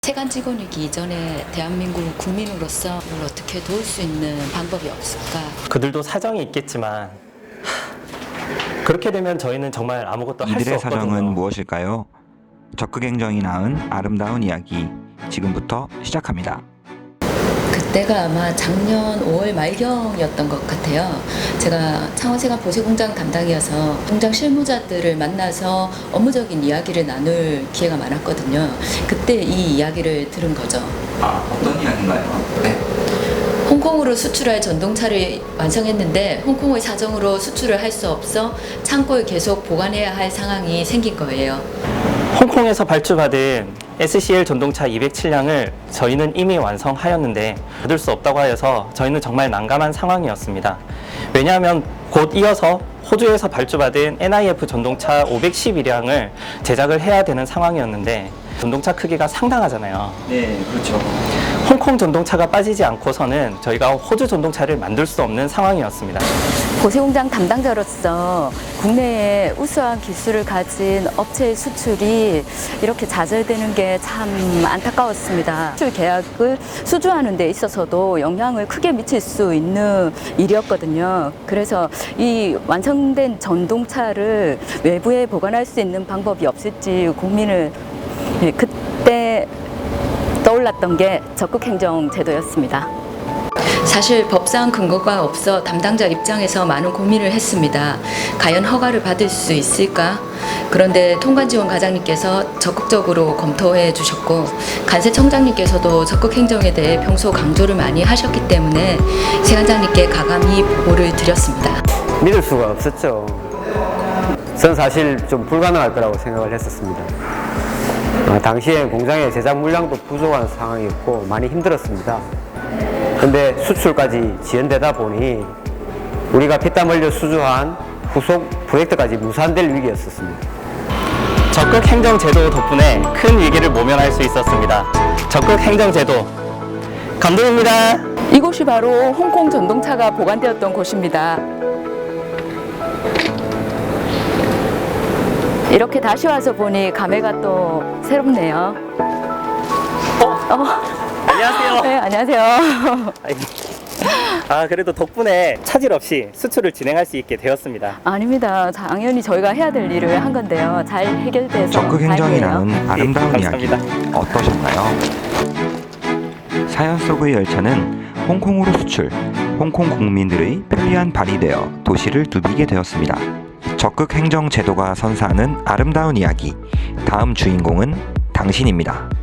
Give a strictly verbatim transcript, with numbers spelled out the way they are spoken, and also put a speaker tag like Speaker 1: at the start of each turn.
Speaker 1: 세관 직원이기 이전에 대한민국 국민으로서 이걸 어떻게 도울 수 있는 방법이 없을까?
Speaker 2: 그들도 사정이 있겠지만 하, 그렇게 되면 저희는 정말 아무것도 할 수
Speaker 3: 이들의
Speaker 2: 없거든요.
Speaker 3: 사정은 무엇일까요? 적극 행정이 낳은 아름다운 이야기 지금부터 시작합니다.
Speaker 1: 그때가 아마 작년 오월 말경이었던 것 같아요. 제가 창원세관 보세공장 담당이어서 공장 실무자들을 만나서 업무적인 이야기를 나눌 기회가 많았거든요. 그때 이 이야기를 들은 거죠.
Speaker 3: 아, 어떤 이야기인가요? 네.
Speaker 1: 홍콩으로 수출할 전동차를 완성했는데 홍콩의 사정으로 수출을 할 수 없어 창고에 계속 보관해야 할 상황이 생긴 거예요.
Speaker 2: 홍콩에서 발주받은 에스씨엘 전동차 이백칠 량을 저희는 이미 완성하였는데 받을 수 없다고 하여서 저희는 정말 난감한 상황이었습니다. 왜냐하면 곧 이어서 호주에서 발주받은 엔아이에프 전동차 오백십일 량을 제작을 해야 되는 상황이었는데 전동차 크기가 상당하잖아요.
Speaker 3: 네, 그렇죠.
Speaker 2: 홍콩 전동차가 빠지지 않고서는 저희가 호주 전동차를 만들 수 없는 상황이었습니다.
Speaker 1: 보세공장 담당자로서 국내에 우수한 기술을 가진 업체의 수출이 이렇게 좌절되는 게 참 안타까웠습니다. 수출 계약을 수주하는 데 있어서도 영향을 크게 미칠 수 있는 일이었거든요. 그래서 이 완성된 전동차를 외부에 보관할 수 있는 방법이 없을지 고민을 그때 떠올랐던 게 적극행정 제도였습니다. 사실 법상 근거가 없어 담당자 입장에서 많은 고민을 했습니다. 과연 허가를 받을 수 있을까? 그런데 통관지원 과장님께서 적극적으로 검토해 주셨고 간세청장님께서도 적극행정에 대해 평소 강조를 많이 하셨기 때문에 세관장님께 가감히 보고를 드렸습니다.
Speaker 4: 믿을 수가 없었죠. 저는 사실 좀 불가능할 거라고 생각을 했었습니다. 아, 당시에 공장의 제작 물량도 부족한 상황이었고 많이 힘들었습니다. 근데 수출까지 지연되다 보니 우리가 피땀 흘려 수주한 후속 프로젝트까지 무산될 위기였었습니다.
Speaker 2: 적극 행정 제도 덕분에 큰 위기를 모면할 수 있었습니다. 적극 행정 제도 감동입니다.
Speaker 1: 이곳이 바로 홍콩 전동차가 보관되었던 곳입니다. 이렇게 다시 와서 보니 감회가 또 새롭네요.
Speaker 2: 어?
Speaker 1: 어.
Speaker 2: 안녕하세요.
Speaker 1: 네, 안녕하세요.
Speaker 2: 아, 그래도 덕분에 차질 없이 수출을 진행할 수 있게 되었습니다.
Speaker 1: 아닙니다. 당연히 저희가 해야 될 일을 한 건데요. 잘 해결돼서
Speaker 3: 적극 행정이
Speaker 1: 다행이에요.
Speaker 3: 낳은 아름다운
Speaker 2: 네,
Speaker 3: 이야기
Speaker 2: 감사합니다.
Speaker 3: 어떠셨나요? 사연 속의 열차는 홍콩으로 수출, 홍콩 국민들의 편리한 발이 되어 도시를 누비게 되었습니다. 적극 행정 제도가 선사하는 아름다운 이야기, 다음 주인공은 당신입니다.